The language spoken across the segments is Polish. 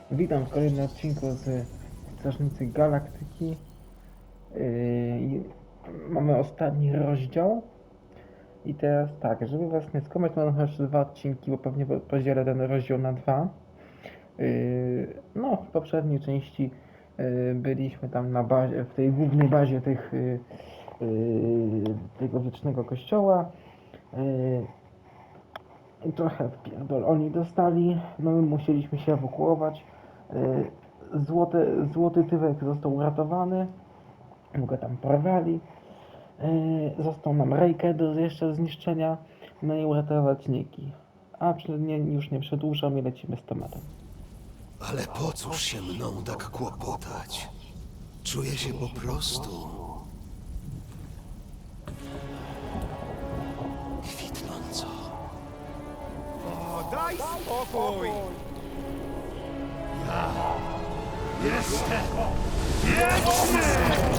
Witam w kolejnym odcinku z Strażnicy Galaktyki. Mamy ostatni rozdział. I teraz tak, żeby was nie skłamać, mam jeszcze 2 odcinki, bo pewnie podzielę ten rozdział na 2. No, w poprzedniej części byliśmy tam na bazie, w tej głównej bazie tego wiecznego kościoła. Trochę wpierdol oni dostali, no my musieliśmy się ewakuować. Złoty Tywek został uratowany, go tam porwali. Został nam Rejkę do jeszcze zniszczenia, no i uratować Niki. A już nie przedłużam i lecimy z tematem. Ale po cóż się mną tak kłopotać? Czuję się po prostu kwitnąco. O, daj spokój! Jestem wieczny!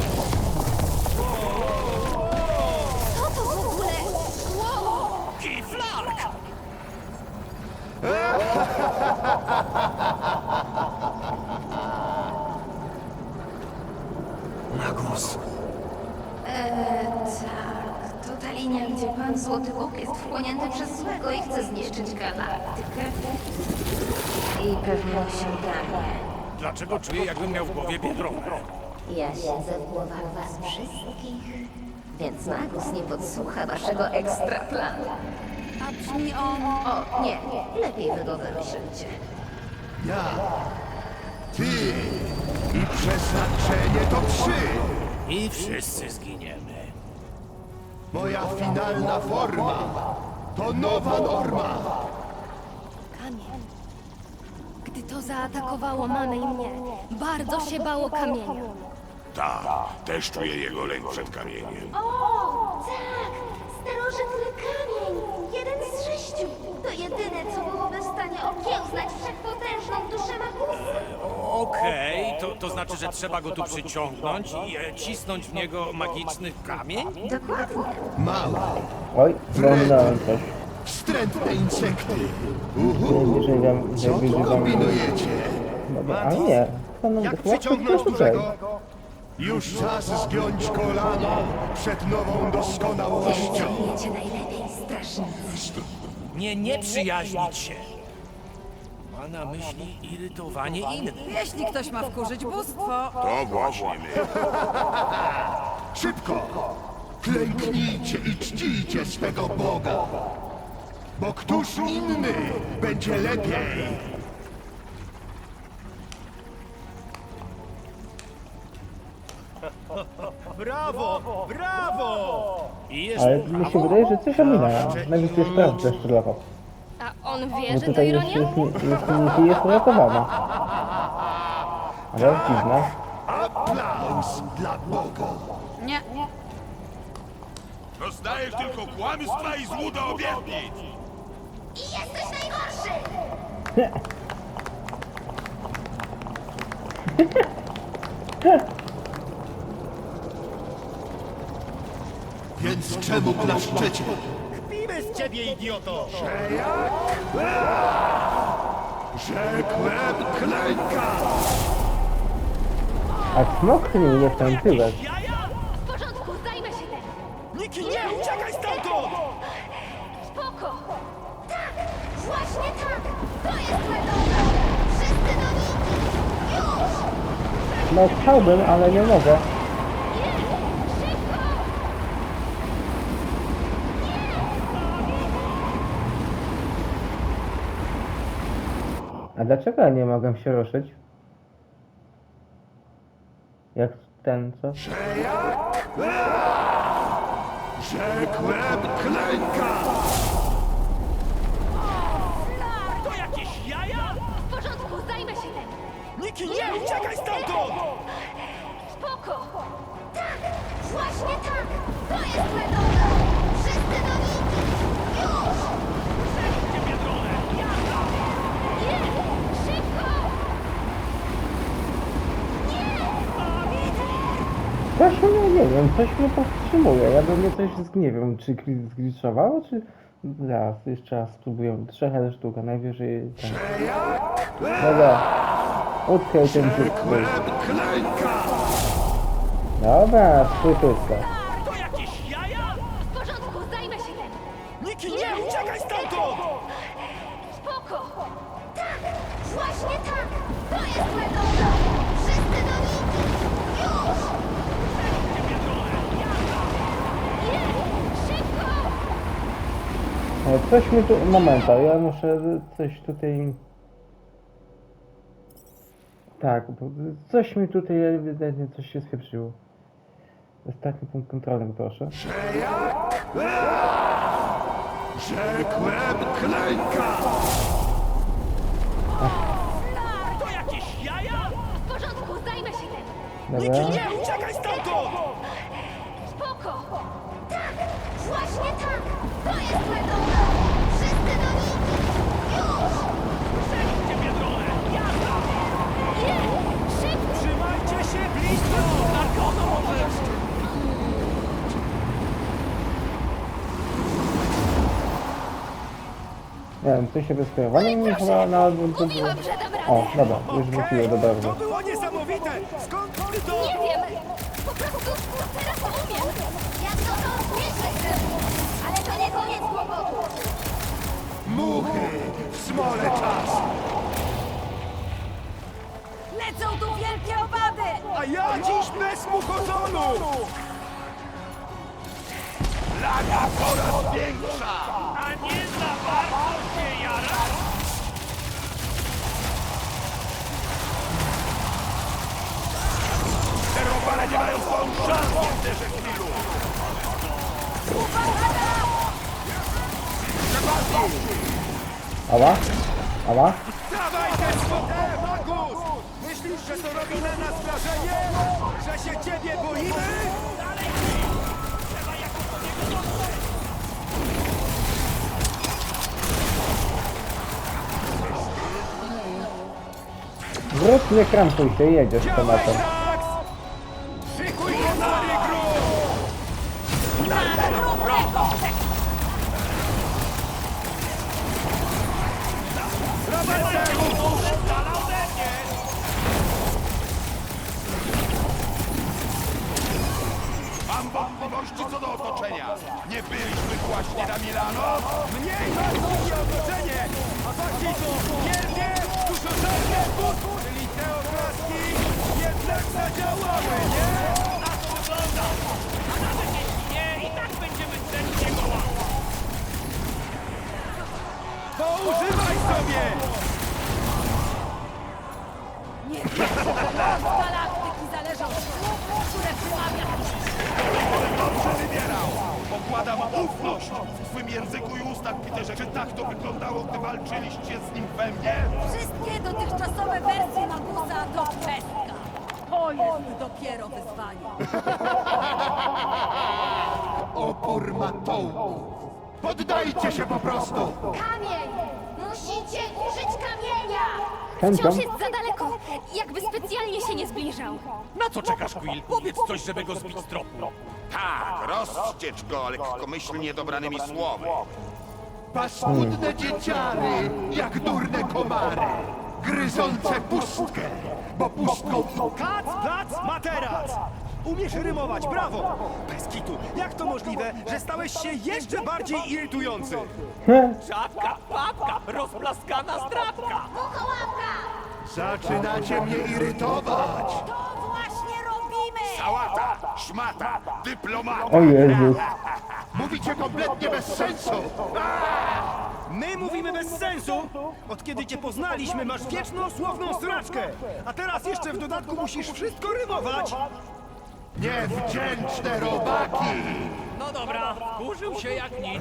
Co to w ogóle? Wow! Kiflark! Magus, Tak. To ta linia, gdzie pan Złoty Bóg jest wchłonięty przez złego i chce zniszczyć galaktykę. I pewnie mu się udaje. Dlaczego czuję, jakbym miał w głowie biedronę? Ja siedzę w głowach was wszystkich, więc Magus nie podsłucha waszego ekstra planu. A brzmi on... O, nie, lepiej wy go wymyślcie. ja, ty i przeznaczenie to I wszyscy zginiemy. Moja finalna forma to nowa norma. Kamień. Gdy to zaatakowało mamę i mnie, bardzo się bało kamienia. Tak, też czuję jego lęk przed kamieniem. O, tak! Starożytny kamień! Jeden z 6! To jedyne, co byłoby w stanie okiełznać wszechpotężną duszę Magusa. Okej, to znaczy, że trzeba go tu przyciągnąć i cisnąć w niego magiczny kamień? Dokładnie. Małe, Oj, oglądałem coś. wstrętne insekty. Jeżeli wam Co tu kombinujecie? Dobra, ale nie. To nam Jak chyba przyciągnąć tutaj. dużego? Już czas zgiąć kolana przed nową doskonałością. Czujecie najlepiej, strasznicy. Nie przyjaźnić się. Ma na myśli irytowanie innych. Jeśli ktoś ma wkurzyć bóstwo, To właśnie my. Szybko! Klęknijcie i czcijcie swego Boga. Bo któż inny będzie lepiej? Brawo! Brawo! I jeszcze... Ale mi się wydaje, że coś ominęło. Nawet jest prawda jeszcze dla was. a on wie, Bo że to tutaj ironia? jest uratowana. Ale dziwna. Aplauz dla Boga. Nie. Dostajesz tylko kłamstwa i złuda obietnic. I jesteś najgorszy! Więc czemu klaszczecie? Kpimy z ciebie, idioto! Rzekłem klęka! A smoknij mnie w ten tyłek. Jaja! W porządku, zajmę się tym. Niki, nie! Uciekaj stamtąd! Spoko. Tak! Właśnie tak! To jest metoda! Wszyscy do niki! Już! No chciałbym, ale nie mogę. A dlaczego ja nie mogę się ruszyć? Jak ten, co? Rzekłem klęka! To jakieś jaja? W porządku, zajmę się tym. Niki, nie! Uciekaj stamtąd! Spoko. Tak! Właśnie tak! To jest metoda! Wszyscy do niki! Już! Gdzie biedronę? Jazda! Szybko. Coś mnie, nie wiem, coś mnie powstrzymuje. Ja do mnie coś, nie wiem, czy zgliczowało, czy... Zaraz, jeszcze raz spróbuję. 3 sztuka, najwyżej ten... Dobra. Utkaj ten dziób. Łeb klęka! Dobra, spłytuska. To jakieś jaja? W porządku, zajmę się tym. Niki, nie! Uciekaj stamtąd! Spoko. Tak, właśnie tak. To jest metoda. Wszyscy do Niki. Już. Nie, szybko. Coś mi tu... Momenta, ja muszę coś tutaj... Tak, bo coś mi tutaj ewidentnie coś się spieprzyło. Ostatni punkt kontrolny, proszę. Że jak? Rzekłem klęka! To jakieś jaja? W porządku, zajmę się tym. Niki, Dobra. nie! Uciekaj stamtąd! Spoko. Tak, właśnie tak. To jest metoda. Wszyscy do Niki. Już. Przejdźcie biedronę! Jazda! Nie, szybko. Trzymajcie się blisko! Na kogo możesz? Nie wiem, coś się bez sterowania mi chyba na album to było... Mówiłam, że dam radę. O, dobra, już wróciło do To barwy. było niesamowite! Skąd ty to? Nie wiem. Po prostu teraz umiem. Jak to nieźle chcę. Ale to nie koniec kłopotu. Muchy! W smole czas! Lecą tu wielkie owady! A ja dziś bez muchozonu! Plaga coraz większa! A nie za bardzo się jarasz? Te robale nie mają stąd szans, nie wierzę w chwilu! Ała? Ała? Dawaj te swoje, Magus! Myślisz, że to robi na nas wrażenie? Że się ciebie boimy? Dalej! Trzeba jakoś do niego dotrzeć! Wróć, nie krampuj się, jedziesz z Działaj, tematem. Drax! Szykuj konary, grób! Mam wątpliwości co do otoczenia. Nie byliśmy właśnie na Milano? Mniej ważne otoczenie, a bardziej to wielkie, dużożerne bóstwo, czyli te obrazki jednak zadziałały, nie? Na to wygląda! A nawet jeśli nie, i tak będziemy drzeć jego łap. Poużywaj sobie! Nie wierzę, że los galaktyki zależy od słów, które wymawia. Dobrze wybierał! Pokładam ufność w twym języku i ustach, Peterze. Czy tak to wyglądało, gdy walczyliście z nim we mnie? Wszystkie dotychczasowe wersje Magusa to pestka. To jest dopiero wyzwanie. Opór matołków! Poddajcie się po prostu! Kamień! Musicie użyć kamienia! Chęcią? Wciąż jest za daleko. Jakby specjalnie się nie zbliżał. Na co czekasz, Quill? Powiedz coś, żeby go zbić z tropu. Tak, rozściecz go lekkomyślnie dobranymi słowy. Paskudne dzieciary, jak durne komary, gryzące pustkę, bo pustką Kac, plac, materac! Umiesz rymować, brawo! Bez kitu, jak to możliwe, że stałeś się jeszcze bardziej irytujący? Czapka, papka, rozplaskana zdrabka! Muchołapka! zaczynacie mnie irytować. To właśnie robimy! Sałata, szmata, dyplomata. O Jezus. Mówicie kompletnie bez sensu. My mówimy bez sensu! Od kiedy cię poznaliśmy, masz wieczną słowną sraczkę! A teraz jeszcze w dodatku musisz wszystko rymować! Niewdzięczne robaki. No dobra, użył się jak nic.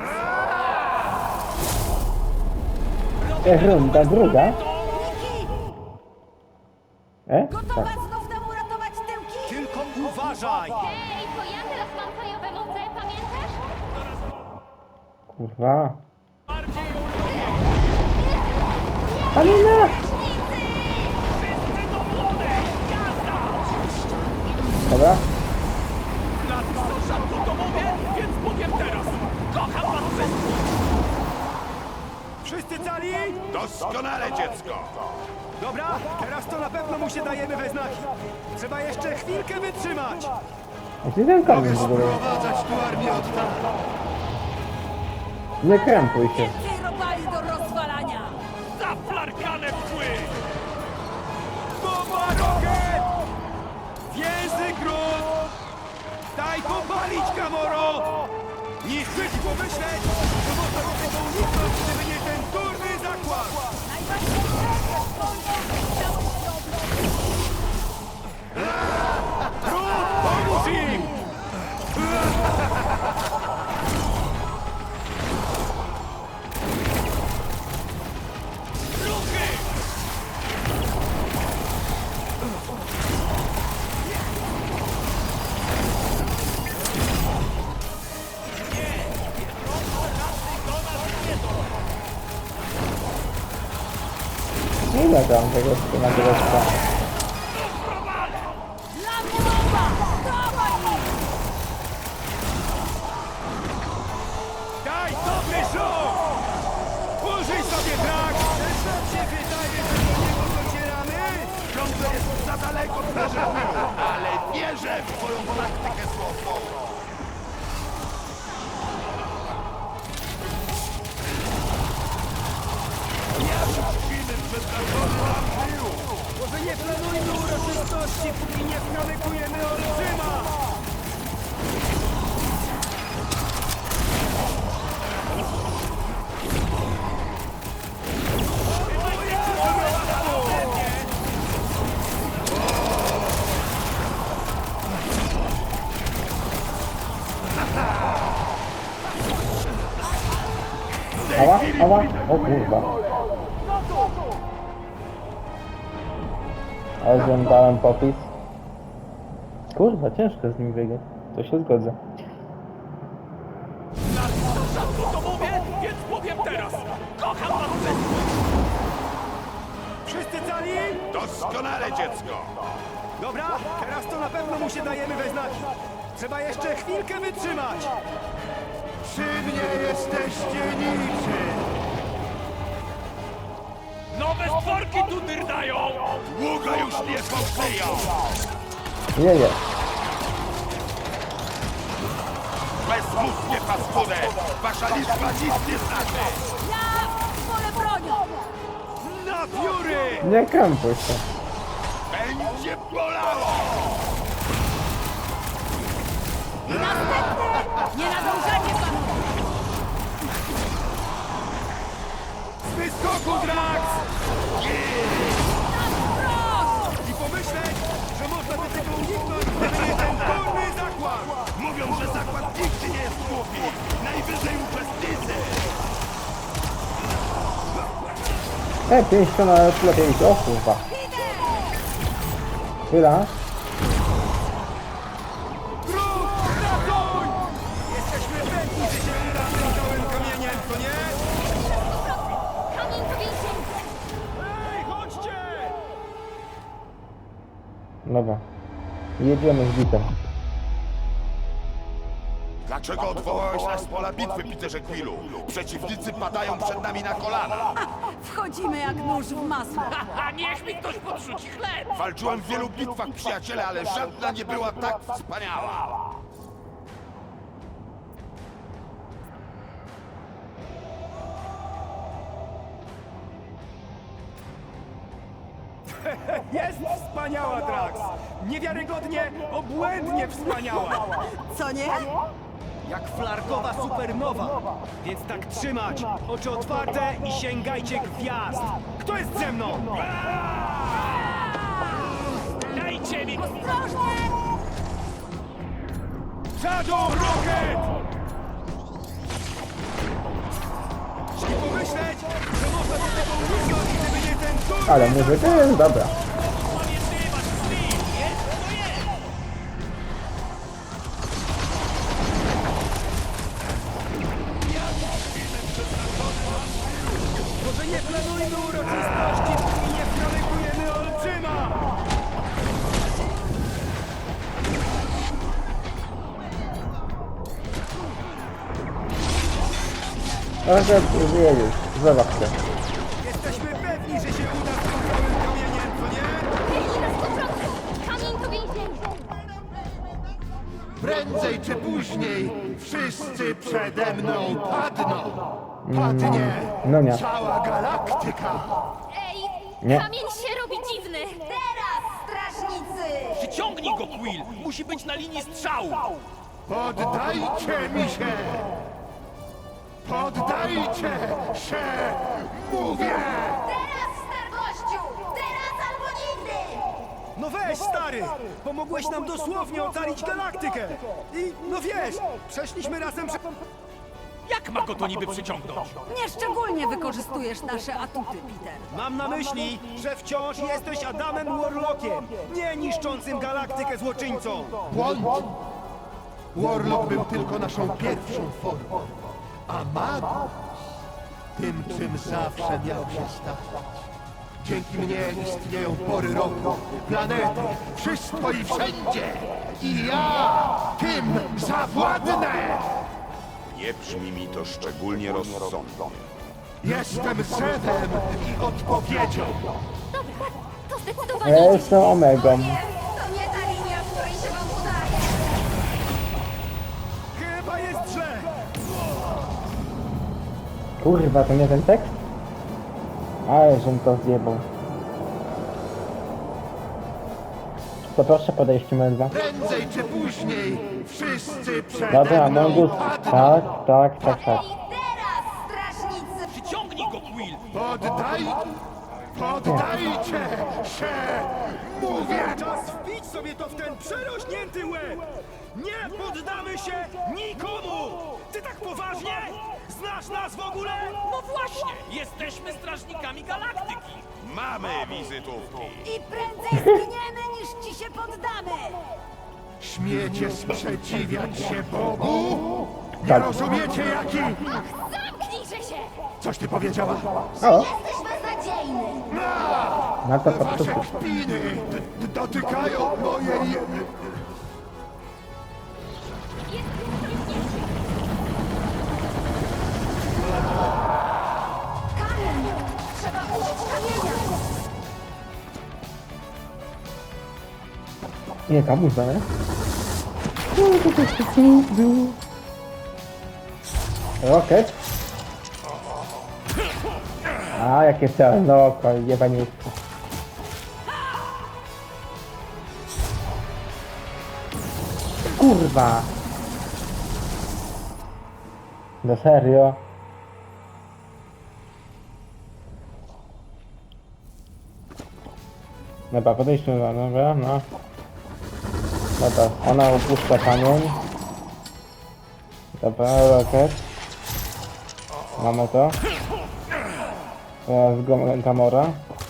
Runda druga. Niki! Tak. Gotowa znów nam uratować tyłki? Tylko uważaj! Hej, to ja teraz mam fajowe moce, pamiętasz? Kurwa. Alina! Dobra. Rzadko to mówię, więc powiem teraz. Kocham was wszystkich! Wszyscy cali? Doskonale, dziecko! Dobra, teraz to na pewno mu się dajemy we znaki. Trzeba jeszcze chwilkę wytrzymać. Gdzie ten kamień Mogę w ogóle? sprowadzać tu armię od tam. Nie krępuj się. Więcej robali do rozwalania! Zaflarkane pchły! Bomba rokiet! Więzy grunt! Daj popalić, Gamoro! Niszczyć i pomyśleć, że można do tego uniknąć, gdyby nie ten durny zakład! Grunt, pomóż im! Ruchy! Ile tam tego na tego stanu? Dla mnie bomba! Dawaj ich! Daj dobry rzut! Użyj sobie trak! Też nam się wydaje, że do niego docieramy? Ciągle jest za daleko, strażaku, ale wierzę w twoją taktykę słowną. Może nie planujmy uroczystości, póki nie wkamykujemy olbrzyma! Ała, ała, o kurwa. Ale żądałem popis. Kurwa, ciężko z nim wygrać. To się zgodzę. To mówię, więc powiem teraz! Kocham was wszystkich! Wszyscy cali? Doskonale, dziecko. Dobra, teraz to na pewno mu się dajemy we znaki. Trzeba jeszcze chwilkę wytrzymać. Przy mnie jesteście niczym. Nowe stworki tu dyrdają! Długo już nie powstają. Jeje. Bezmózgie paskudę. Wasza liczba nic nie znaczy. Ja wolę bronią! Na pióry! Nie krępuj się. Będzie bolało. Następny! Nie nadążacie za mną! Z wyskoku, Drax! I pomyśleć, że można do tego uniknąć, gdyby nie ten durny zakład! Mówią, że zakład nigdy nie jest głupi. Najwyżej uczestnicy. 50 na lepiej. O kurwa. Chwila. Grób, ratuj! Jesteśmy pewni, że się uda z tym całym kamieniem, co nie? Kamień to więzienie. Ej, chodźcie! Dobra. Jedziemy z bitem. Dlaczego odwołałeś nas z pola bitwy, Peterze Quillu? Przeciwnicy padają przed nami na kolana. Wchodzimy jak nóż w masło! Walczyłem w wielu bitwach, przyjaciele, ale żadna nie była tak wspaniała. Jest wspaniała, Drax! Niewiarygodnie, obłędnie wspaniała! Co nie? Jak flarkowa supernowa! Więc tak trzymać! Oczy otwarte i sięgajcie gwiazd! Kto jest ze mną? Dajcie mi! Ostrożnie! Shadow Rocket! I pomyśleć, że można do tego uniknąć, gdyby nie ten durny Ale muzyka jest dobra. Może nie planujmy uroczystości, póki nie wkamykujemy olbrzyma! Ale wyjedziesz. Zobacz się. Jesteśmy pewni, że się uda z tym całym Prędzej czy później wszyscy przede mną padną. Padnie No nie. cała galaktyka. Ej, Nie. kamień się robi dziwny. Teraz, strażnicy! Przyciągnij go, Quill! Musi być na linii strzału! Poddajcie mi się! Poddajcie się! Mówię! Teraz, stargościu! Teraz albo nigdy! No weź, stary! Pomogłeś nam dosłownie ocalić galaktykę! I, no wiesz, przeszliśmy razem prze... Jak ma go to niby przyciągnąć? Nieszczególnie wykorzystujesz nasze atuty, Peter. Mam na myśli, że wciąż jesteś Adamem Warlockiem, nie niszczącym galaktykę złoczyńcą! Błąd! Warlock był tylko naszą pierwszą formą, a Magus tym, czym zawsze miał się stać. Dzięki mnie istnieją pory roku, planety, wszystko i wszędzie. I ja tym zawładnę! Nie brzmi mi to szczególnie rozsądnie. Jestem drzewem i odpowiedzią. Dobra, to zdecydowanie Ja idzie. jestem Omegą. Nie, to nie ta linia, w której się wam udaje! Chyba jest źle! Kurwa, to nie ten tekst? Ale żem to zjebał. To proszę podejść medwa. Prędzej czy później wszyscy Dobra, przede mną Mongus. padną. Tak. I teraz, strażnicy! Przyciągnij go, Quill! Poddajcie się! Mówię! Czas wbić sobie to w ten przerośnięty łeb! Nie poddamy się nikomu! Ty tak poważnie? Znasz nas w ogóle? No właśnie! Jesteśmy strażnikami galaktyki! Mamy wizytówki. I prędzej zginiemy, niż ci się poddamy! Śmiecie sprzeciwiać się Bogu? Nie Tak. rozumiecie jaki? Zamknijże się! Coś ty powiedziała? O, Jesteś beznadziejny! na to Wasze podstupu. kpiny dotykają mojej... Kamień! Trzeba użyć kamienia! Nie, kamuza, nie? Rocket. A, jakie czarne oko, jebaniutko. Kurwa! No serio? Dobra, podejdźmy do, dobra, no. Dobra, ona upuszcza kamień. Dobra, rocket. Mamy to. Teraz Gamora.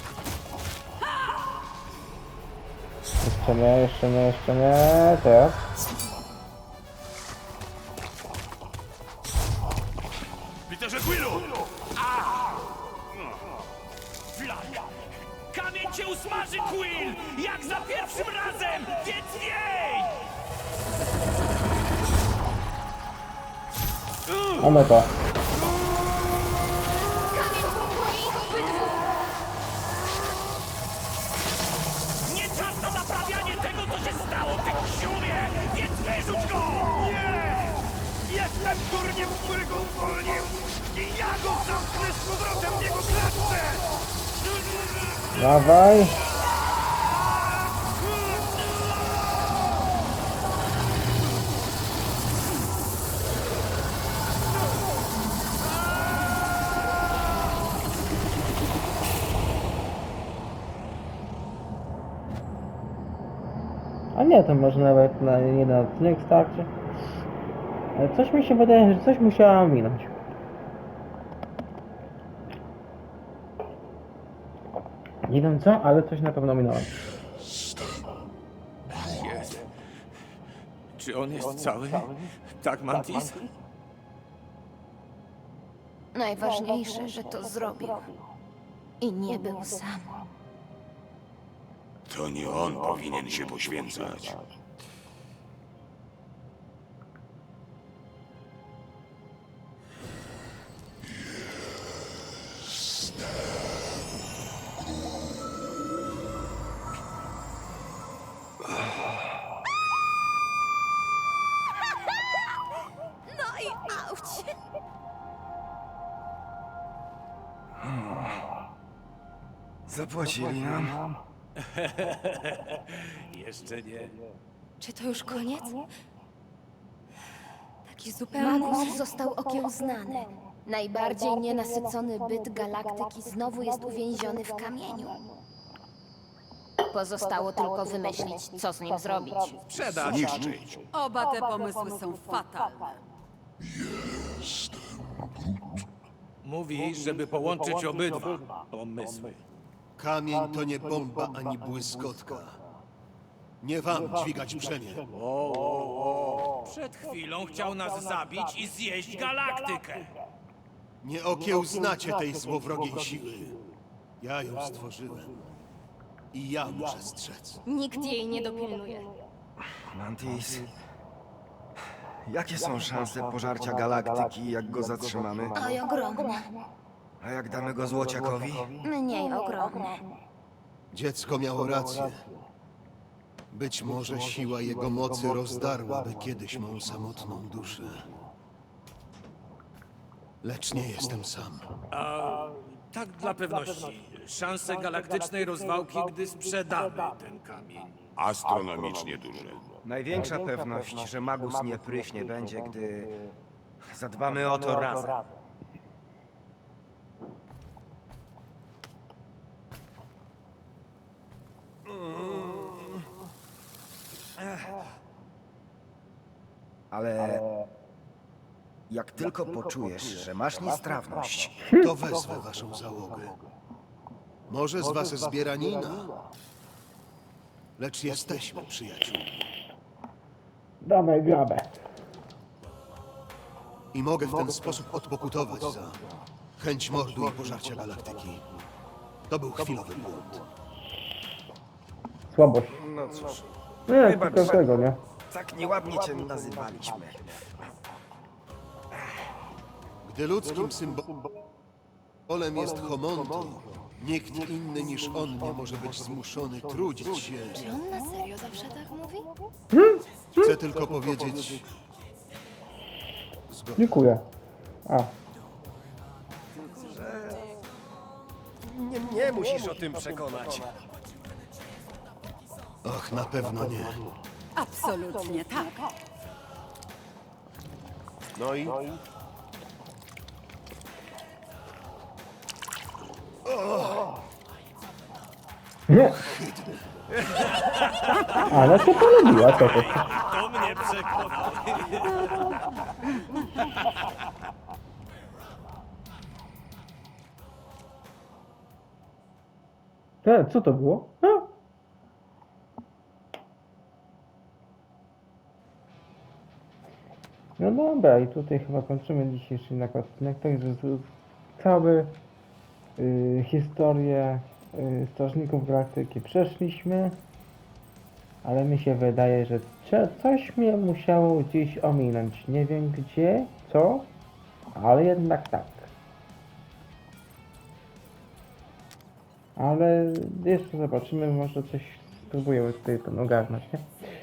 Jeszcze nie. Teraz. Peterze Quillu! Flaga! Kamień cię usmaży, Quill! Jak za pierwszym razem! Więc jej! Mamy to. Kamień pochłoni ich obydwu! Nie czas na naprawianie tego, co się stało, ty siumie! Więc wyrzuć go! Nie! Jestem durniem, którego uwolnił! I ja go zamknę z powrotem w jego klatce! Dawaj. A nie, to może nawet na jeden odcinek starczy. Ale coś mi się wydaje, że coś musiała minąć. Nie wiem co, ale coś na pewno minąłem. Jest. Czy on jest cały? Tak, Mantis? Najważniejsze, że to zrobił. I nie był sam. To nie on powinien się poświęcać. Zapłacili nam. Jeszcze nie. Czy to już koniec? Taki zupełny... Magus został okiełznany. Najbardziej nienasycony byt galaktyki znowu jest uwięziony w kamieniu. Pozostało tylko wymyślić, co z nim zrobić. Sprzedać. Zniszczyć. Oba te pomysły są fatalne. Mówi, żeby połączyć obydwa pomysły. Kamień to nie bomba ani błyskotka. Nie wam dźwigać brzemię. Przed chwilą chciał nas zabić i zjeść galaktykę. Nie okiełznacie tej złowrogiej siły. Ja ją stworzyłem. I ja muszę strzec. Nikt jej nie dopilnuje. Mantis. Jakie są szanse pożarcia galaktyki, jak go zatrzymamy? Oj, ogromne. A jak damy go złociakowi? Mniej ogromne. Dziecko miało rację. Być może siła jego mocy rozdarłaby kiedyś mą samotną duszę. Lecz nie jestem sam. Tak dla pewności. Szanse galaktycznej rozwałki, gdy sprzedamy ten kamień. Astronomicznie duże. Największa pewność, że Magus nie pryśnie, będzie, gdy zadbamy o to razem. Ale jak tylko poczujesz, że masz niestrawność, To wezwę waszą załogę. Może z was zbieranina. Lecz jesteśmy przyjaciółmi. Dawaj grabę. I mogę w ten sposób odpokutować za chęć mordu i pożarcia galaktyki. To był chwilowy błąd. Słabość. no cóż, Nie, Wybacz. tylko tego, nie? tak nieładnie cię nazywaliśmy. Gdy ludzkim symbolem jest homonto, nikt inny niż on nie może być zmuszony trudzić się. Czy on na serio zawsze tak mówi? Chcę tylko powiedzieć... Zgodnie. Dziękuję. A, Nie musisz o tym przekonać. Och, na pewno nie. Absolutnie tak. No i? nie. Ale się polubiła, co to? To mnie przekonał. Co to było? A? No dobra, i tutaj chyba kończymy dzisiejszy odcinek. Także całe historię Strażników Galaktyki przeszliśmy, ale mi się wydaje, że coś mnie musiało gdzieś ominąć. Nie wiem gdzie, co, ale jednak tak. Ale jeszcze zobaczymy, może coś spróbujemy tutaj ogarnąć, nie?